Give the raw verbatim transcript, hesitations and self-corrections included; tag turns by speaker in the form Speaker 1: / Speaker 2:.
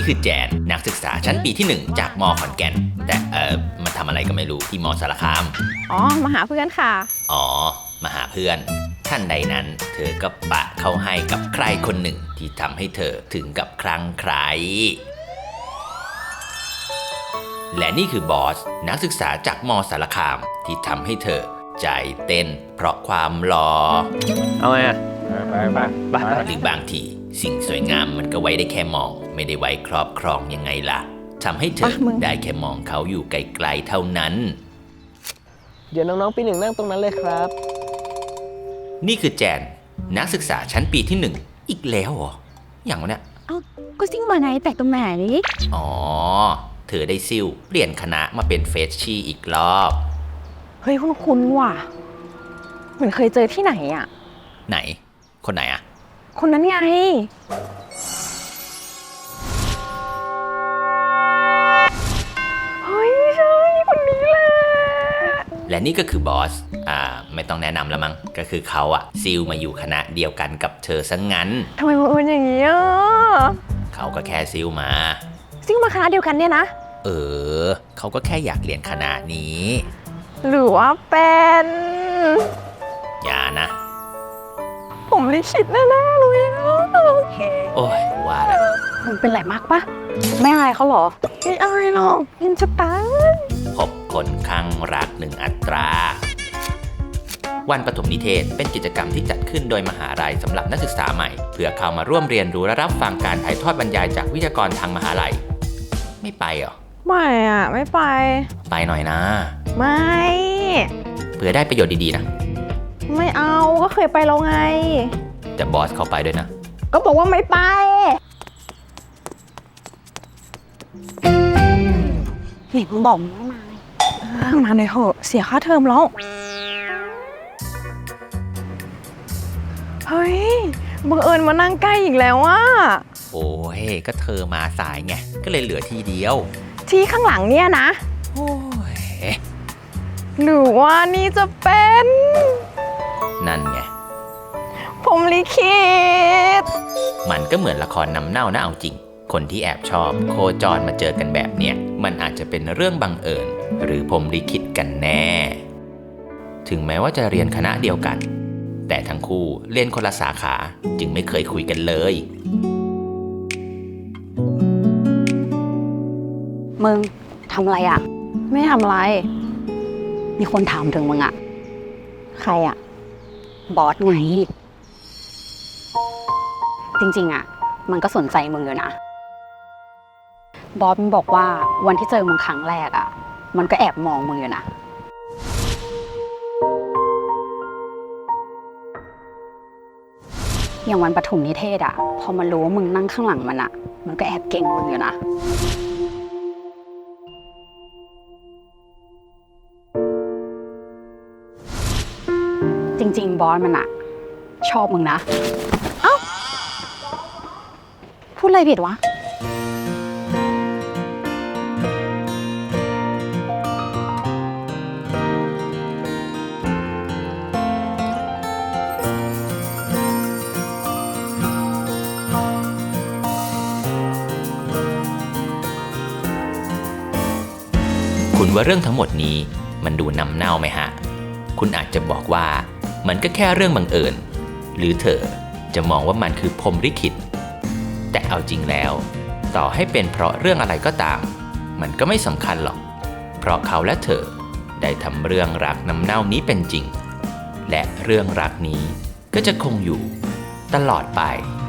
Speaker 1: นี่คือแจนนักศึกษาชั้นปีที่หนึ่งจากม.ขอนแก่นแต่เออมาทำอะไรก็ไม่รู้ที่ม.สารคาม
Speaker 2: อ๋อมาหาเพื่อนค่ะ
Speaker 1: อ๋อมาหาเพื่อนท่านใดนั้นเธอก็ปะเข้าให้กับใครคนหนึ่งที่ทำให้เธอถึงกับคลั่งไคล้และนี่คือบอสนักศึกษาจากม.สารคามที่ทำให้เธอใจเต้นเพราะความหล่อ
Speaker 3: เอาไงอ่ะไปไปไป
Speaker 1: หรือบางทีสิ่งสวยงามมันก็ไว้ได้แค่มองไม่ได้ไว้ครอบครองยังไงล่ะทำให้เธอได้แค่มองเขาอยู่ไกลๆเท่านั้น
Speaker 3: เดี๋ยวน้องๆปีหนึ่งนั่งตรงนั้นเลยครับ
Speaker 1: นี่คือแจนนักศึกษาชั้นปีที่หนึ่งอีกแล้วเหรออย่างวะเนี่ย
Speaker 2: เอ้าก็ซิ่งมาไหนแต่ตรงไหนนี่
Speaker 1: อ๋อเธอได้ซิ่วเปลี่ยนคณะมาเป็นเฟชชี่อีกรอบ
Speaker 2: เฮ้ยคุณคุณว่ะเหมือนเคยเจอที่ไหนอ่ะ
Speaker 1: ไหนคนไหนอ่ะ
Speaker 2: คนนั้นไงเฮ้ยใช่คนนี้แหละ
Speaker 1: และนี่ก็คือบอสอ่าไม่ต้องแนะนำแล้วมั้งก็คือเขาอะซิลมาอยู่คณะเดียวกันกับเธอซะงั้น
Speaker 2: ทำไมมันเป็นอย่างนี้อ่ะ
Speaker 1: เขาก็แค่ซิลมา
Speaker 2: ซิลมาคณะเดียวกันเนี่ยนะ
Speaker 1: เออเขาก็แค่อยากเรียนคณะนี้
Speaker 2: หรือว่าเป็น
Speaker 1: อย่านะ
Speaker 2: ผมลิขิตแน่ๆเลย
Speaker 1: โอ้ยว่าแล้ว
Speaker 2: มันเป็นไรมากปะไม่อายเขาหรอไม่อายหรอกเห็นจะตาย
Speaker 1: พบคนข้างรักหนึ่งอัตราวันปฐมนิเทศเป็นกิจกรรมที่จัดขึ้นโดยมหาลัยสำหรับนักศึกษาใหม่เพื่อเข้ามาร่วมเรียนรู้และรับฟังการถ่ายทอดบรรยายจากวิทยากรทางมหาลัยไม่ไปเหรอ
Speaker 2: ไม่อะไม่ไป
Speaker 1: ไปหน่อยนะ
Speaker 2: ไม่
Speaker 1: เพื่อได้ประโยชน์ดีๆนะ
Speaker 2: ไม่เอาก็เคยไปแล้วไง
Speaker 1: แต่บอสเขาไปด้วยนะ
Speaker 2: ก็บอกว่าไม่ไปนี่มึงบอกมึงไม่มามาหน่อยเถอะเสียค่าเทอมแล้วเฮ้ยบังเอิญมานั่งใกล้อีกแล้วอ่ะ
Speaker 1: โอ้ยก็เธอมาสายไงก็เลยเหลือทีเดียว
Speaker 2: ที่ข้างหลังเนี่ยนะ
Speaker 1: โอ้ย
Speaker 2: หรือว่านี่จะเป็น
Speaker 1: นั่นไง
Speaker 2: ผมลิขิต
Speaker 1: มันก็เหมือนละครน้ำเน่านะเอาจริงคนที่แอบชอบโคจรมาเจอกันแบบเนี้ยมันอาจจะเป็นเรื่องบังเอิญหรือพรหมลิขิตกันแน่ถึงแม้ว่าจะเรียนคณะเดียวกันแต่ทั้งคู่เรียนคนละสาขาจึงไม่เคยคุยกันเลย
Speaker 2: มึงทำอะไรอ่ะไม่ทำอะไรมีคนถามถึงมึงอ่ะใครอ่ะบอสไงจริงๆอ่ะมันก็สนใจมึงอยู่นะบอสมันบอกว่าวันที่เจอมึงครั้งแรกอ่ะมันก็แอบมองมึงอยู่นะอย่างวันปฐมนิเทศอ่ะพอมันรู้ว่ามึงนั่งข้างหลังมันอ่ะมันก็แอบเก่งมึงอยู่นะจริงๆบอสมันอะชอบมึงนะเอ้าพูดอะไรผิดวะ
Speaker 1: คุณว่าเรื่องทั้งหมดนี้มันดูน้ำเน่าไหมฮะคุณอาจจะบอกว่ามันก็แค่เรื่องบังเอิญหรือเธอจะมองว่ามันคือพรหมลิขิตแต่เอาจริงแล้วต่อให้เป็นเพราะเรื่องอะไรก็ตามมันก็ไม่สำคัญหรอกเพราะเขาและเธอได้ทำเรื่องรักน้ำเน่านี้เป็นจริงและเรื่องรักนี้ก็จะคงอยู่ตลอดไป